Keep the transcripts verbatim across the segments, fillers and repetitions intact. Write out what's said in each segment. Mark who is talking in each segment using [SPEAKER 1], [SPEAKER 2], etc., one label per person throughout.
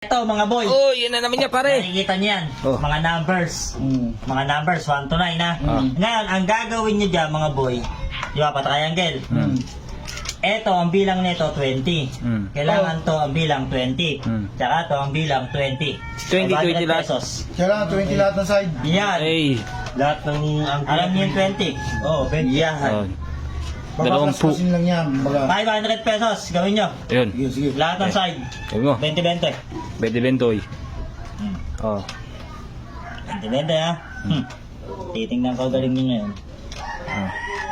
[SPEAKER 1] Ito mga boy,
[SPEAKER 2] Oh, yun na naman niya pare.
[SPEAKER 1] nakikita niyo yan,
[SPEAKER 2] Oh.
[SPEAKER 1] mga numbers.
[SPEAKER 3] Mm.
[SPEAKER 1] Mga numbers, one to nine ha.
[SPEAKER 2] Mm.
[SPEAKER 1] Ngayon, ang gagawin niyo dyan mga boy, di ba, pa-triangle.
[SPEAKER 2] Mm.
[SPEAKER 1] Ito, ang bilang nito, twenty.
[SPEAKER 2] Mm.
[SPEAKER 1] Kailangan to ang bilang twenty.
[SPEAKER 2] Mm.
[SPEAKER 1] Tsaka to ang bilang twenty.
[SPEAKER 2] twenty,
[SPEAKER 1] five hundred
[SPEAKER 2] twenty lahat.
[SPEAKER 1] pesos.
[SPEAKER 3] Kailangan twenty lahat ng side.
[SPEAKER 1] Yan.
[SPEAKER 2] Ay.
[SPEAKER 1] Lahat ng, ang alam niyo yung twenty? Oo, oh, twenty. Yan.
[SPEAKER 2] Oh. Dalawang pu.
[SPEAKER 3] Bababasbasin lang yan. Baga.
[SPEAKER 1] five hundred pesos, gawin nyo.
[SPEAKER 2] Ayun.
[SPEAKER 3] Sige, sige.
[SPEAKER 1] Lahat ng side.
[SPEAKER 2] Ayun mo.
[SPEAKER 1] twenty twenty.
[SPEAKER 2] Bede bentoy.
[SPEAKER 1] Hmm.
[SPEAKER 2] Oh.
[SPEAKER 1] twenty twenty ha. Hmm. Titingnan ko galing nyo ngayon.
[SPEAKER 2] Oh.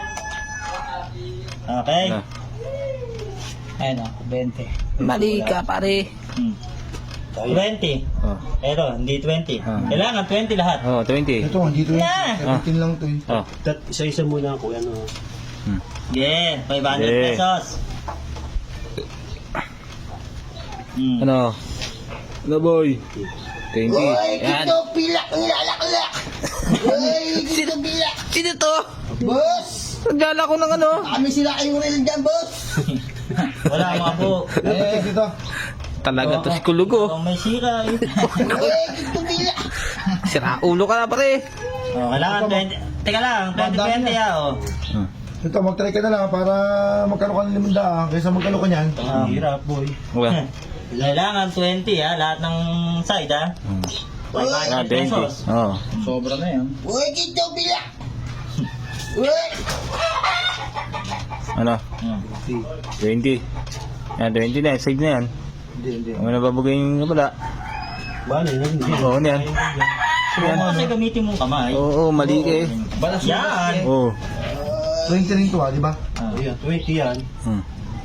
[SPEAKER 1] Okay.
[SPEAKER 2] Na.
[SPEAKER 1] Ayun o, twenty.
[SPEAKER 2] Mali ka pare.
[SPEAKER 1] Hmm. twenty.
[SPEAKER 2] Oh.
[SPEAKER 1] Pero, hindi twenty.
[SPEAKER 2] Ah.
[SPEAKER 1] Kailangan twenty lahat.
[SPEAKER 2] Oh, twenty.
[SPEAKER 3] Ito, hindi to
[SPEAKER 1] Na.
[SPEAKER 3] seventeen lang to eh.
[SPEAKER 2] Oh.
[SPEAKER 4] Isa-isa muna ako, ano.
[SPEAKER 2] Hmm.
[SPEAKER 1] Yeah, five hundred
[SPEAKER 2] Yeah.
[SPEAKER 1] pesos. Hmm.
[SPEAKER 2] Ano? Ano boy? twenty.
[SPEAKER 5] Uy,
[SPEAKER 2] Yan.
[SPEAKER 5] dito pilak ang lalaklak. Uy, dito pilak.
[SPEAKER 2] Sino to?
[SPEAKER 5] Boss,
[SPEAKER 2] Nagdala ko ng ano?
[SPEAKER 5] kami sila kayong reel dyan, boss.
[SPEAKER 1] Wala mga po.
[SPEAKER 3] Eh, dito.
[SPEAKER 2] Talaga to si Kulugo.
[SPEAKER 1] Kung may sira eh.
[SPEAKER 5] Uy, dito pilak.
[SPEAKER 2] Sira ulo ka na pare.
[SPEAKER 1] Oh, kailangan twenty. Teka lang, twenty twenty ah. Oh.
[SPEAKER 2] Hmm.
[SPEAKER 3] Ito, mag-try ka na lang para magkano ka ng limandaan kaysa magkano ka niyan.
[SPEAKER 1] Ah.
[SPEAKER 4] Hirap, boy.
[SPEAKER 2] Wala.
[SPEAKER 1] Kailangan twenty ha, lahat ng side ha.
[SPEAKER 2] Hmm.
[SPEAKER 1] five
[SPEAKER 2] Ah,
[SPEAKER 1] hundred
[SPEAKER 2] twenty.
[SPEAKER 1] pesos.
[SPEAKER 2] Oh.
[SPEAKER 3] Sobra na yan.
[SPEAKER 5] Uy, dito pilak. Uy,
[SPEAKER 2] Ano?
[SPEAKER 1] Hmm.
[SPEAKER 2] twenty. Yan, twenty na. Side na yan.
[SPEAKER 3] Hindi, hindi.
[SPEAKER 2] Ang nababagay yung wala.
[SPEAKER 4] Bale, yun.
[SPEAKER 2] Oo, ano yan.
[SPEAKER 1] Kung kasi gamitin mong kamay.
[SPEAKER 2] Oo, mali ka eh.
[SPEAKER 1] Yan.
[SPEAKER 2] Oo.
[SPEAKER 3] twenty rin to ah, di ba?
[SPEAKER 1] Ah.
[SPEAKER 4] Ayan, twenty yan.
[SPEAKER 2] Hmm.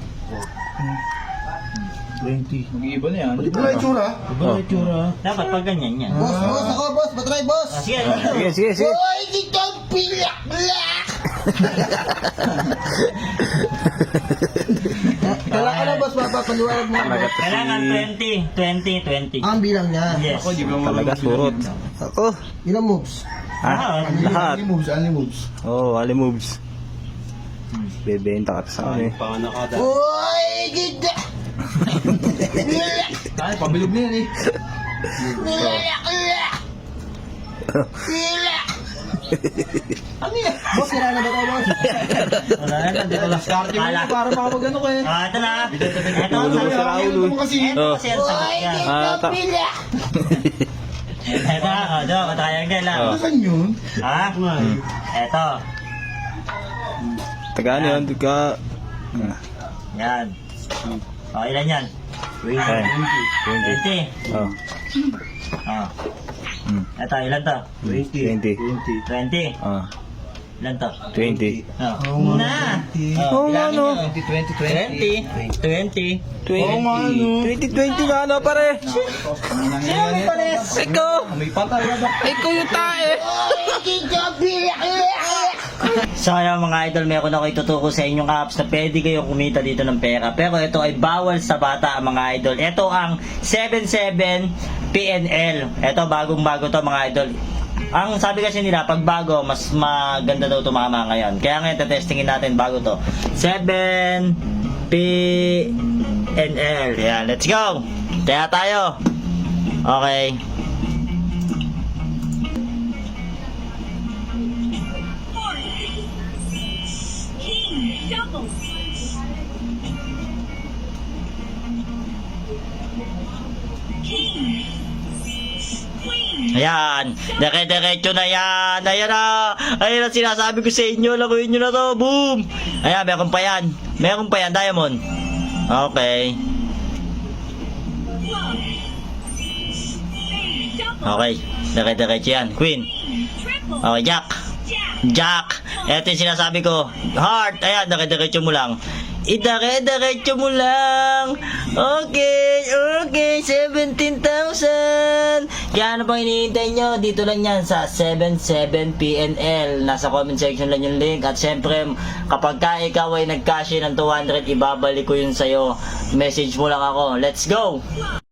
[SPEAKER 3] twenty.
[SPEAKER 4] Mag-iiba na yan.
[SPEAKER 3] Di ba na itsura?
[SPEAKER 4] Iba na itsura.
[SPEAKER 1] Dapat pag ganyan yan.
[SPEAKER 5] boss, boss, ako, boss. Patry, boss.
[SPEAKER 1] Ah, sige.
[SPEAKER 2] Sige, sige, sige.
[SPEAKER 5] Uy, dito pilak, pilak. Kailangan ka na, boss. Mapapaliwanag mo.
[SPEAKER 2] Talaga to si...
[SPEAKER 1] Kailangan twenty, twenty, twenty.
[SPEAKER 5] Ang bilang niya.
[SPEAKER 1] Yes.
[SPEAKER 2] Talaga surot. Ako.
[SPEAKER 5] Ilang moves?
[SPEAKER 1] Ah,
[SPEAKER 2] Lahat.
[SPEAKER 3] Only moves, only moves.
[SPEAKER 2] Oo, oh, ali moves. Bebenta ka sa akin eh.
[SPEAKER 4] Panganakada.
[SPEAKER 5] Uy, dito. Pilak,
[SPEAKER 3] Ay, pabilog na yan eh.
[SPEAKER 5] pilak, pilak. Pilak.
[SPEAKER 3] Ano yan?
[SPEAKER 5] Boss, sira na ba tayo, boss?
[SPEAKER 1] wala na, dito lang.
[SPEAKER 3] Karte mo
[SPEAKER 1] Kala.
[SPEAKER 3] yun para makapag-ano ka eh.
[SPEAKER 1] Ah, ito na. Ito ang
[SPEAKER 2] Ulo,
[SPEAKER 1] sagot.
[SPEAKER 2] sira ulo.
[SPEAKER 3] Ano mo kasi?
[SPEAKER 1] Ito
[SPEAKER 2] Oh.
[SPEAKER 1] kasi ang sagot
[SPEAKER 5] Uy,
[SPEAKER 1] niya.
[SPEAKER 5] dito
[SPEAKER 2] Ah, ta-
[SPEAKER 5] pilak.
[SPEAKER 1] Ito, oh, do, triangle lang.
[SPEAKER 2] Oh.
[SPEAKER 3] Saan yun?
[SPEAKER 1] Ha? Ito.
[SPEAKER 2] Taga ano yun? Taga...
[SPEAKER 1] Yan. O, ilan yan?
[SPEAKER 2] Ay, twenty.
[SPEAKER 1] twenty.
[SPEAKER 2] Oh.
[SPEAKER 1] Oh.
[SPEAKER 2] Hmm.
[SPEAKER 1] Ito, ilan to?
[SPEAKER 4] twenty.
[SPEAKER 2] twenty.
[SPEAKER 1] twenty.
[SPEAKER 2] Oh.
[SPEAKER 1] Ilan to?
[SPEAKER 2] twenty.
[SPEAKER 1] Oh. Na.
[SPEAKER 2] Oo nga, no.
[SPEAKER 1] twenty, twenty, twenty. twenty.
[SPEAKER 2] twenty. twenty, twenty nga ano pare.
[SPEAKER 1] Sino may pares?
[SPEAKER 2] Ikaw.
[SPEAKER 3] May patay na ba?
[SPEAKER 2] Ikaw yung tae.
[SPEAKER 5] Uy, dito pilak, pilak.
[SPEAKER 1] So ayan mga idol, meron ako ituturo sa inyong apps na pwede kayong kumita dito ng pera. Pero ito ay bawal sa bata mga idol. Ito ang seventy-seven P N L. Ito bagong bago to mga idol. Ang sabi kasi nila, pag bago, mas maganda daw tumama ngayon. Kaya ngayon, testingin natin bago to. seven P N L. Yan, let's go! Kaya tayo. Okay. Ayan, dere-derecho na yan. Ayan na. Ayan ang sinasabi ko sa inyo. Lakuin nyo na to. Boom! Ayan, meron pa yan. Meron pa yan, Diamond. Okay. Okay, dere-derecho yan. Queen. Okay, Jack. Jack. Ito yung sinasabi ko. Heart. Ayan, dere-derecho mo lang. Idare-diretso mo lang. Okay, okay, seventeen thousand. Kaya ano pang hinihintay nyo? Dito lang yan sa seventy-seven P N L. Nasa comment section lang yung link. At syempre, kapag ka ikaw ay nag-cash in ng two hundred, ibabalik ko yun sa'yo. Message mo lang ako. Let's go!